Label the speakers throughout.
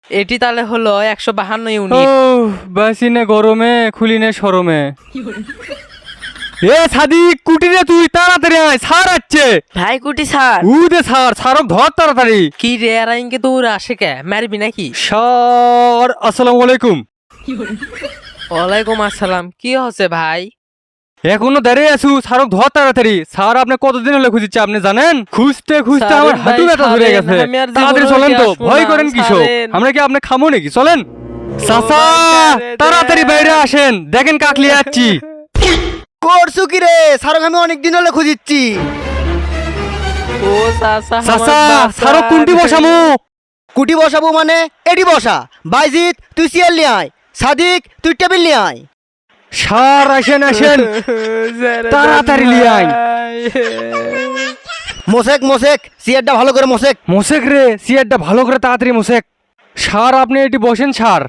Speaker 1: এটি তাহলে হলো 152
Speaker 2: ও
Speaker 1: ইউনিট।
Speaker 2: বাসিনে গরমে খুলিনে সরমে। এ সাদিক কুটি রে, তুই তাড়াতাড়ি আয়, স্যার আসছে।
Speaker 3: ভাই কুটি স্যার।
Speaker 2: উদে স্যার, স্যারক ধর তাড়াতাড়ি।
Speaker 1: কি রে আর ইনকে দৌড়ে আসে কে, মারবি নাকি?
Speaker 2: স্যার আসসালামু আলাইকুম।
Speaker 1: ওয়ালাইকুম আসসালাম। কি হচ্ছে ভাই?
Speaker 2: এখনো দাঁড়িয়ে আছু, স্যারক ধর তাড়াতাড়ি। স্যার আপনি কতদিন হলে খুঁজছে আপনি জানেন? খুঁজতে খুঁজতে আমার
Speaker 1: সারেন
Speaker 2: হাঁটু
Speaker 1: ভাই,
Speaker 2: ব্যথা ধরে
Speaker 1: সারেন,
Speaker 2: গেছে।
Speaker 1: আমি আর
Speaker 2: তাড়াতাড়ি
Speaker 1: জীবনেও
Speaker 2: চলেন
Speaker 1: উঠে
Speaker 2: তো,
Speaker 1: আসবো
Speaker 2: ভয়
Speaker 1: না,
Speaker 2: করেন কিসব?
Speaker 1: সারেন।
Speaker 2: আমরা কি আপনি খামো নাকি? চলেন চাচা,
Speaker 1: ভাই, ছেড়ে
Speaker 2: তাড়াতাড়ি
Speaker 1: দেন।
Speaker 2: বাইরে আসেন, দেখেন কাকলি যাচ্ছি।
Speaker 4: করছু কি রে? স্যারক আমি অনেক দিন হলে খুঁজিচ্ছি।
Speaker 1: ও চাচা,
Speaker 2: চাচা
Speaker 1: আমার
Speaker 2: স্যারক কোনটি বসামু?
Speaker 4: কুটি বসাবো মানে এটি বসা। বাইজিৎ তুই চেয়ার নিয়ে আয়, সাদিক তুই টেবিল নিয়ে আয়।
Speaker 2: স্যার আসেন আসেন, তাড়াতাড়ি লিয়ে আইন।
Speaker 4: মোশেক মোশেক চেয়ারটা ভালো করে মোশেক।
Speaker 2: মোশেক রে, চেয়ারটা ভালো করে তাড়াতাড়ি মোশেক। স্যার আপনি এটি বসেন স্যার।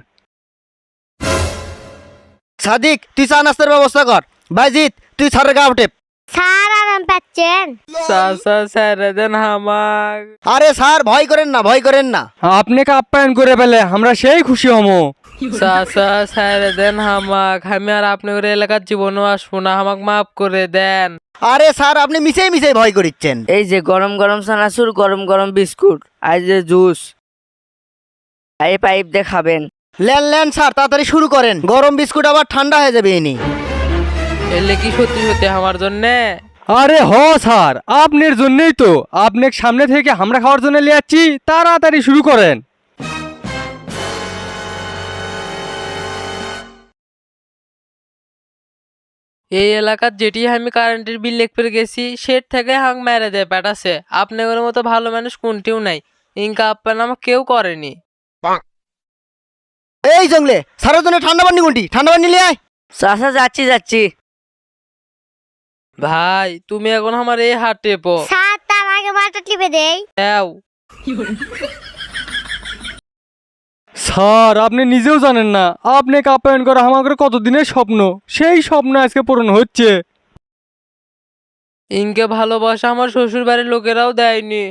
Speaker 4: সাদিক তুই চা নাস্তার ব্যবস্থা কর। বাইজিৎ তুই স্যারের গা উঠে।
Speaker 5: স্যার আরাম পাচ্ছেন?
Speaker 1: চাচা ছেড়ে দেন আমাক।
Speaker 4: আরে স্যার ভয় করেন না, ভয় করেন না।
Speaker 2: আপনাকে আপ্যায়ন করে পেলে আমরা সেই খুশি হমো।
Speaker 1: চাচা ছেড়ে দেন আমাক, আমি আর আপনার এলাকার জীবনও আসবো না, আমাক মাফ করে দেন।
Speaker 4: আরে স্যার আপনি মিশেই মিশেই ভয় করিচ্ছেন।
Speaker 3: এই যে গরম গরম চানাচুর, গরম গরম বিস্কুট, আর যে জুস, এই পাইপ দিয়ে খাবেন।
Speaker 4: লেন লেন স্যার তাড়াতাড়ি শুরু করেন, গরম বিস্কুট আবার ঠান্ডা হয়ে যাবে ইনি।
Speaker 1: এলে কি সত্যি সত্যি আমার জন্যে?
Speaker 2: আরে হ স্যার, আপনার জন্যই তো, আপনাকে সামনে থেকে আমরা খাওয়ার জন্য নিয়ে যাচ্ছি, তাড়াতাড়ি শুরু করেন।
Speaker 1: এই এলাকার যেটি আমি কারেন্টের বিল লেখতে গেছি সেট থেকে হাং মেরে দেয় পেটাছে। আপনাদের মতো ভালো মানুষ কোনটিও নাই, ইনকা আপ্যায়ন আমাকে কেউ করেনি।
Speaker 4: এই জঙ্গলে স্যারের জন্য ঠান্ডা পানি কোনটি? ঠান্ডা পানি নিয়ে আয়।
Speaker 3: চাচা যাচ্ছি যাচ্ছি।
Speaker 1: ভাই তুমি এখন আমার এই হাত টেপো।
Speaker 5: স্যার তার আগে মাথা টিপে দেই।
Speaker 1: দাও।
Speaker 2: স্যার আপনি নিজেও জানেন না, আপনাকে আপ্যায়ন করা আমাদের কতদিনের স্বপ্ন, সেই স্বপ্ন আজকে পূরণ হচ্ছে।
Speaker 1: ইনকে ভালোবাসা আমার শ্বশুর বাড়ির লোকেরাও দেয়নি।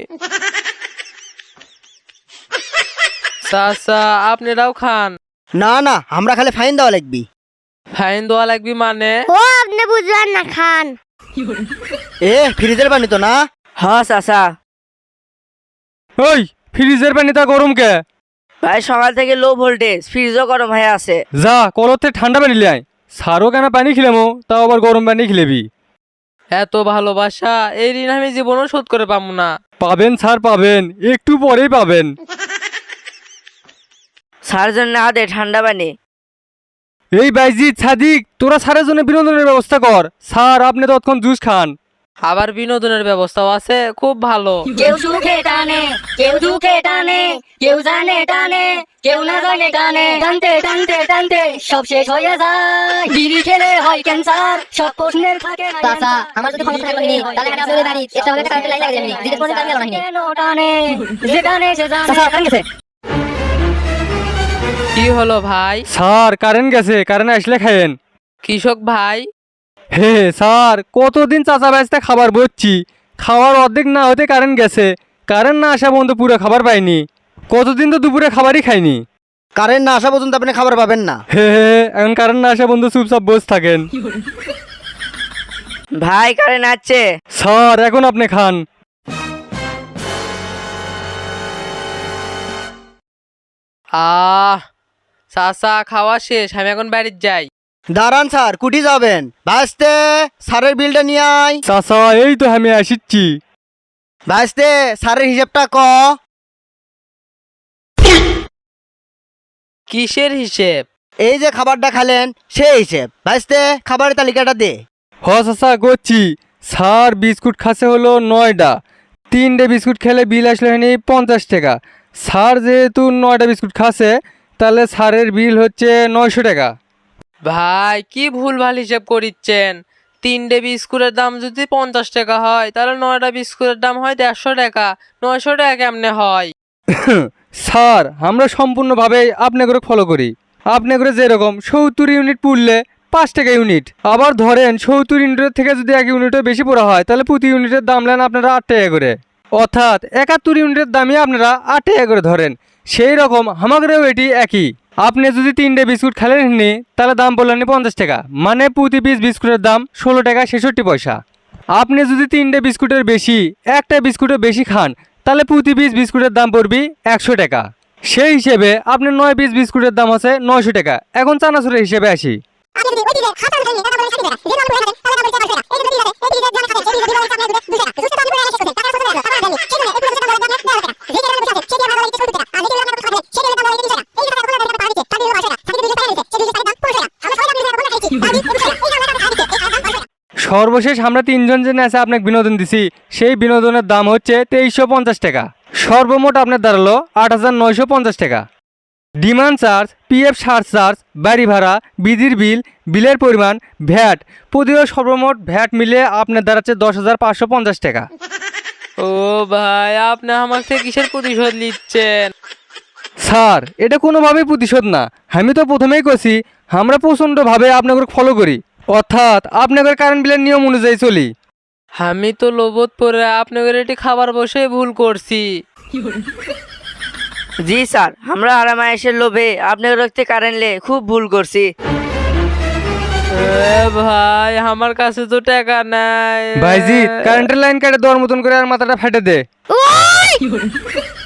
Speaker 1: চাচা আপনারাও খান।
Speaker 4: না না আমরা খালি ফাইন দেওয়া লাগবি।
Speaker 1: ফাইন দেওয়া লাগবে মানে?
Speaker 5: ও আপনি বুঝলেন না, খান।
Speaker 4: এ ফ্রিজের পানি তো না?
Speaker 3: হ চাচা।
Speaker 2: ওই ফ্রিজের পানিটা গরম কে?
Speaker 3: ভাই সকাল থেকে লো ভোল্টেজ, ফ্রিজও গরম হয়ে আছে।
Speaker 2: যা কলতে ঠান্ডা পানি লিয়ে আয়। স্যারও কেন পানি খিলামো, তাও আবার গরম পানি খিলেবি?
Speaker 1: এত ভালোবাসা এই ঋণ আমি জীবনও শোধ করে পাবো না।
Speaker 2: পাবেন স্যার পাবেন, একটু পরেই পাবেন।
Speaker 3: স্যার জন্য আদে ঠান্ডা পানি।
Speaker 2: এই বাইজিৎ সাদিক, তোরা স্যারের জন্য বিনোদনের ব্যবস্থা কর। স্যার আপনি তৎক্ষণ জুস খান।
Speaker 1: আবার বিনোদনের ব্যবস্থাও আছে, খুব ভালো।
Speaker 6: কেউ সুখে টানে, কেউ দুঃখে টানে, কেউ জানে টানে, কেউ না জানে টানে, টানতে টানতে টানতে সব শেষ হয়ে যায়। বিড়ি খেলে হয় ক্যান্সার, সব প্রশ্নের থাকে না
Speaker 7: চাচা, আমার যদি ক্ষমতা থাকতো তাহলে এখানে আপনাদের বাড়ি এটা হলে কারেন্ট লাইন লাগাই দিবেন। দিনের পরে আমি আলো নাহি।
Speaker 6: কেন টানে, যে টানে সে জানে।
Speaker 7: চাচা কারেন্ট গেছে।
Speaker 1: কি হলো ভাই?
Speaker 2: স্যার কারেন্ট গেছে, কারেন্ট আসলে খায়েন।
Speaker 1: কৃষক ভাই,
Speaker 2: হে স্যার, কতদিন চাচা বাঁচতে খাবার বলছি, খাওয়ার অর্ধেক না হতে কারেন্ট গেছে। কারেন্ট না আসা পর্যন্ত পুরো খাবার পাইনি। কতদিন তো দুপুরে খাবারই খাইনি।
Speaker 4: কারেন্ট না আসা পর্যন্ত আপনি খাবার পাবেন না।
Speaker 2: হে এখন কারেন্ট না আসা পর্যন্ত চুপচাপ বসে থাকেন।
Speaker 3: ভাই কারেন্ট আসছে।
Speaker 2: স্যার এখন আপনি খান।
Speaker 1: চাচা খাওয়া শেষ, আমি এখন বাড়ির যাই।
Speaker 4: দাঁড়ান স্যার, কুটি যাবেন? ভাইস্তে স্যারের বিলটা নিয়ে আয়।
Speaker 2: চাচা এই তো আমি আসিচ্ছি।
Speaker 4: ভাইস্তে স্যারের হিসাবটা ক।
Speaker 1: কিসের হিসেব?
Speaker 4: এই যে খাবারটা খালেন সেই হিসেব। ভাইস্তে খাবারের তালিকাটা দে।
Speaker 2: হ চাচা করছি। স্যার বিস্কুট খাসে হলো 9টা, 3টে বিস্কুট খেলে বিল আসলে হয়নি 50 টাকা। স্যার যেহেতু 9টা বিস্কুট খাসে, তাহলে স্যারের বিল হচ্ছে 900 টাকা।
Speaker 1: ভাই কি ভুলভাল হিসেব করিচ্ছেন। 3টে বিস্কুটের দাম যদি 50 টাকা হয়, তাহলে 9টা বিস্কুটের দাম হয় 150 টাকা। 900 টাকা কেমনে হয়?
Speaker 2: স্যার আমরা সম্পূর্ণভাবে আপনাকে ফলো করি। আপনাকে যেরকম 70 ইউনিট পুড়লে 5 টাকা ইউনিট। আবার ধরেন 70 ইউনিটের থেকে যদি 1 ইউনিটও বেশি পড়া হয়, তাহলে প্রতি ইউনিটের দাম নেন আপনারা 8 টাকা করে। অর্থাৎ 71 ইউনিটের দামই আপনারা 8 টাকা করে ধরেন। সেই রকম আমাদেরও এটি একই। আপনি যদি 3টে বিস্কুট খেলেন নি তাহলে দাম বললেন 50 টাকা, মানে প্রতি পিস বিস্কুটের দাম 16 টাকা 66 পয়সা। আপনি যদি 3টে বিস্কুটের বেশি একটা বিস্কুটের বেশি খান তাহলে প্রতি পিস বিস্কুটের দাম পড়বে 100 টাকা। সেই হিসেবে আপনার 9 পিস বিস্কুটের দাম আছে 900 টাকা। এখন চানাচুরের হিসেবে আসি। সর্বশেষ আমরা 3জন যে আছে আপনাকে বিনোদন দিছি, সেই বিনোদনের দাম হচ্ছে 2350 টাকা। সর্বমোট আপনার দাঁড়ালো 8950 টাকা। ডিমান্ড চার্জ, পিএফ চার্জ, বাড়ি ভাড়া, বিদ্যুৎ বিল, বিলের পরিমাণ, ভ্যাট প্রতিও সর্বমোট ভ্যাট মিলে আপনার দাঁড়াচ্ছে 10,550 টাকা।
Speaker 1: ও ভাই, আপনি আমার থেকে কিসের প্রতিশোধ নিচ্ছেন?
Speaker 2: স্যার, এটা কোনোভাবেই প্রতিশোধ না। আমি তো প্রথমেই কছি আমরা প্রচণ্ডভাবে আপনাকে ফলো করি, অর্থাৎ আপনাদের কারেন্ট বিলের নিয়ম অনুযায়ী চলি।
Speaker 1: আমি তো লোভত পরে আপনাদের এটি খাবার বসে ভুল করছি।
Speaker 3: জি স্যার, আমরা আরামায়েশের লোভে আপনার রক্তে কারেন্টলে খুব ভুল করছি।
Speaker 1: এ ভাই, আমার কাছে তো টাকা নাই।
Speaker 2: ভাইজি, কারেন্টের লাইন কেটে দেওয়ার মতন করে আর মাথাটা ফেটে দে।
Speaker 5: ওই